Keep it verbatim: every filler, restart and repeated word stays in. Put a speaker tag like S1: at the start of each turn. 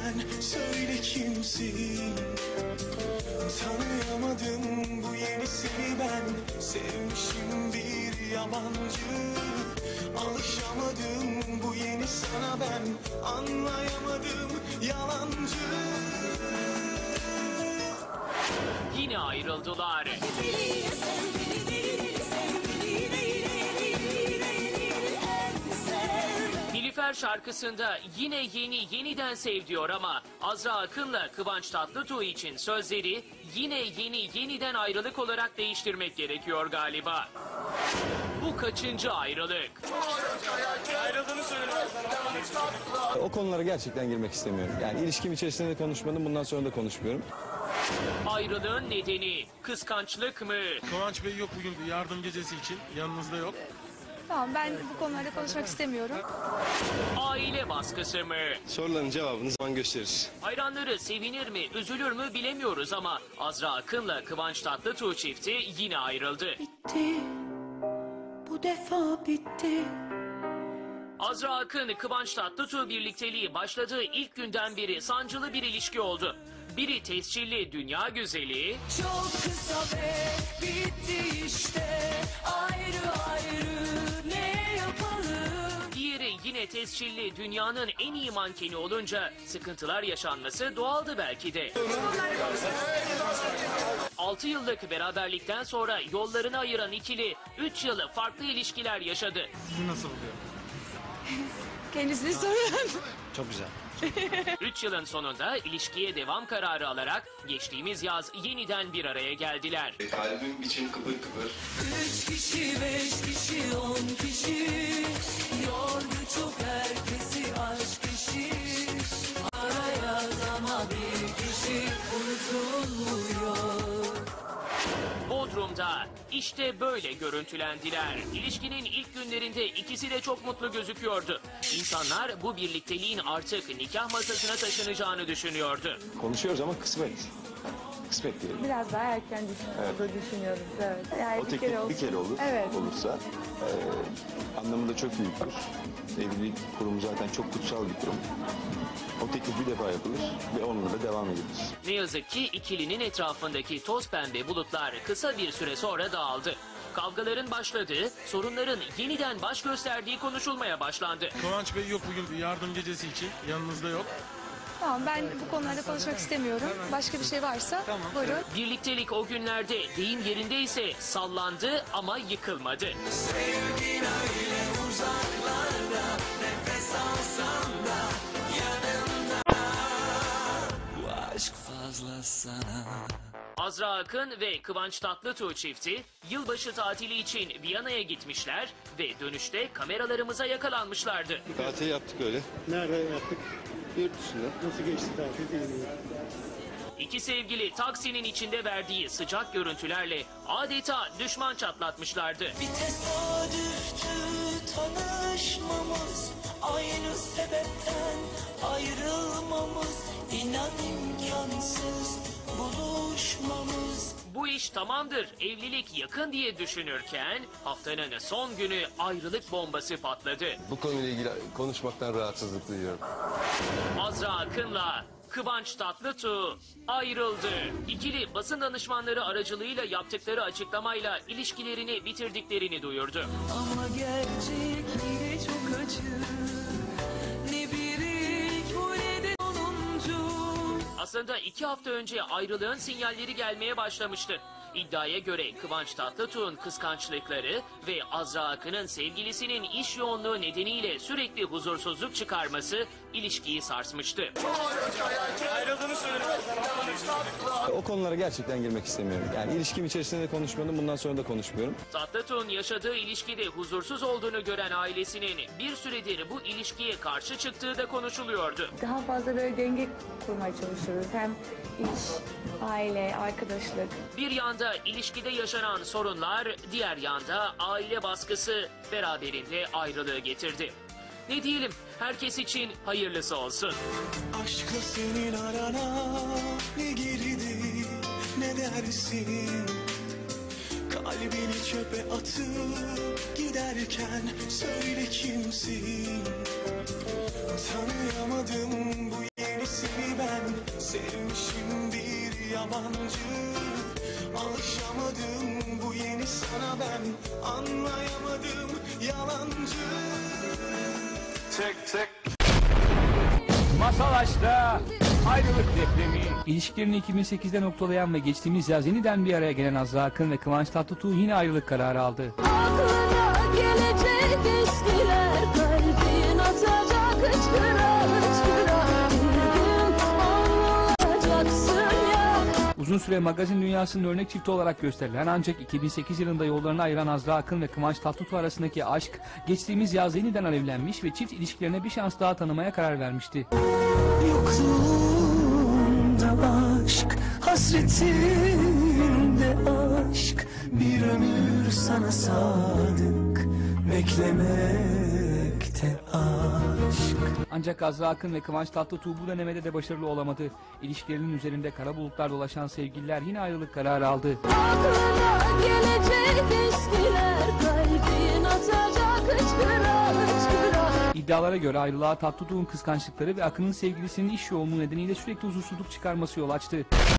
S1: giderken söyle kimsin? Tanıyamadım bu yenisini ben, sevmişim bir yabancı. Alışamadım bu yeni sana ben, anlayamadım yalancı.
S2: Yine ayrıldılar. Nilüfer şarkısında yine yeni yeniden sev diyor ama Azra Akın'la Kıvanç Tatlıtuğ için sözleri yine yeni yeniden ayrılık olarak değiştirmek gerekiyor galiba. Bu kaçıncı ayrılık?
S3: Ayrıldığını söyledim sana.
S4: O konulara gerçekten girmek istemiyorum. Yani ilişkim içerisinde de konuşmadım, bundan sonra da konuşmuyorum.
S2: Ayrılığın nedeni kıskançlık mı?
S3: Kıvanç Bey yok bugün yardım gecesi için. Yanınızda yok.
S5: Tamam, ben bu konularda konuşmak istemiyorum.
S2: Aile baskısı mı?
S4: Soruların cevabını zaman gösterir.
S2: Hayranları sevinir mi, üzülür mü bilemiyoruz ama Azra Akın'la Kıvanç Tatlıtuğ çifti yine ayrıldı.
S1: Bitti, bu defa bitti.
S2: Azra Akın, Kıvanç Tatlıtuğ birlikteliği başladığı ilk günden beri sancılı bir ilişki oldu. Biri tescilli dünya güzeli,
S1: Çok kısa ve bitti işte, ayrı ayrı ne yapalım?
S2: diğeri yine tescilli dünyanın en iyi mankeni olunca sıkıntılar yaşanması doğaldı belki de. altı yıllık beraberlikten sonra yollarını ayıran ikili üç yılı farklı ilişkiler yaşadı.
S3: Sizi nasıl buluyor?
S5: Kendisini sorun.
S4: Çok güzel.
S2: üç yılın sonunda ilişkiye devam kararı alarak geçtiğimiz yaz yeniden bir araya geldiler.
S6: Kalbim için kıpır kıpır.
S1: Üç kişi, beş kişi, on kişi, yordu çok herkesi aşk işi. Araya ama bir kişi unutulmuyor.
S2: Bodrum'da işte böyle görüntülendiler. İlişkinin ilk günlerinde ikisi de çok mutlu gözüküyordu. İnsanlar bu birlikteliğin artık nikah masasına taşınacağını düşünüyordu.
S4: Konuşuyoruz ama kısmet. Kısmet diyelim.
S5: Biraz daha erken düşünüyoruz, düşünüyoruz. Evet. Yani
S4: O
S5: bir
S4: teklif
S5: kere olsun.
S4: bir kere olur,
S5: Evet.
S4: olursa e, anlamı da çok büyüktür. Evlilik kurumu zaten çok kutsal bir kurum. O teklif bir defa yapılır ve onunla da devam edilir.
S2: Ne yazık ki ikilinin etrafındaki toz pembe bulutlar kısa bir süre sonra dağıldı. Kavgaların başladığı, sorunların yeniden baş gösterdiği konuşulmaya başlandı.
S3: Kıvanç Bey yok bugün yardım gecesi için. Yanınızda yok.
S5: Tamam, ben bu konularda konuşmak istemiyorum. Başka bir şey varsa buyurun.
S2: Birliktelik o günlerde deyim yerindeyse sallandı ama yıkılmadı.
S1: Sevgin öyle uzaklarda, nefes alsam da yanımda. Bu aşk fazla sana.
S2: Azra Akın ve Kıvanç Tatlıtuğ çifti yılbaşı tatili için Viyana'ya gitmişler ve dönüşte kameralarımıza yakalanmışlardı.
S4: Tatil yaptık öyle.
S7: Nerede yaptık?
S4: Yurt dışında.
S7: Nasıl geçti tatil değil mi?
S2: İki sevgili taksinin içinde verdiği sıcak görüntülerle adeta düşman çatlatmışlardı.
S1: Bir tesadüftü tanışmamız, aynı sebepten ayrılmamız, inan imkansız buluşmamız.
S2: Bu iş tamamdır, evlilik yakın diye düşünürken haftanın son günü ayrılık bombası patladı.
S6: Bu konuyla ilgili konuşmaktan rahatsızlık duyuyorum.
S2: Azra Akın'la Kıvanç Tatlıtuğ ayrıldı. İkili basın danışmanları aracılığıyla yaptıkları açıklamayla ilişkilerini bitirdiklerini duyurdu.
S1: Ama gerçek yine çok acı, ne bir ilk bu ne de sonuncu.
S2: Aslında iki hafta önce ayrılığın sinyalleri gelmeye başlamıştı. İddiaya göre Kıvanç Tatlıtuğ'un kıskançlıkları ve Azra Akın'ın sevgilisinin iş yoğunluğu nedeniyle sürekli huzursuzluk çıkarması ilişkiyi sarsmıştı.
S3: Ayrıldığını söyledim sana.
S4: O konulara gerçekten girmek istemiyorum. Yani ilişkim içerisinde de konuşmadım, bundan sonra da konuşmuyorum.
S2: Tatlıtuğ'un yaşadığı ilişkide huzursuz olduğunu gören ailesinin bir süredir bu ilişkiye karşı çıktığı da konuşuluyordu.
S5: Daha fazla böyle denge kurmaya çalışıyoruz. Hem iş, aile, arkadaşlık.
S2: Bir yanda ilişkide yaşanan sorunlar, diğer yanda aile baskısı beraberinde ayrılığı getirdi. Ne diyelim, herkes için hayırlısı olsun.
S1: Aşkla senin arana ne girdi, ne dersin? Kalbini çöpe atıp giderken söyle kimsin? Tanıyamadım bu yenisini yabancı. Alışamadım bu yeni sana ben, anlayamadım yalancı. Tek tek.
S8: Masal Aşk'ta ayrılık depremi. İlişkilerini iki bin sekizde noktalayan ve geçtiğimiz yaz yeniden bir araya gelen Azra Akın ve Kıvanç Tatlıtuğ yine ayrılık kararı aldı.
S9: Aklına gelecek eskiler, kalbin atacak hıçkıra hıçkıra. Bir gün anlayacaksın ya.
S8: Uzun süre magazin dünyasının örnek çifti olarak gösterilen ancak iki bin sekiz yılında yollarını ayıran Azra Akın ve Kıvanç Tatlıtuğ arasındaki aşk geçtiğimiz yaz yeniden alevlenmiş ve çift ilişkilerine bir şans daha tanımaya karar vermişti.
S1: Yokluğunda aşk, hasretinde aşk, bir ömür sana sadık, beklemekte aşk.
S8: Ancak Azra Akın ve Kıvanç Tatlıtuğ bu denemede de başarılı olamadı. İlişkilerinin üzerinde kara bulutlar dolaşan sevgililer yine ayrılık kararı aldı.
S9: Aklına gelecek eskiler, kalbin atacak hıçkıra hıçkıra.
S8: İddialara göre ayrılığa Tatlıtuğ'un kıskançlıkları ve Akın'ın sevgilisinin iş yoğunluğu nedeniyle sürekli huzursuzluk çıkarması yol açtı.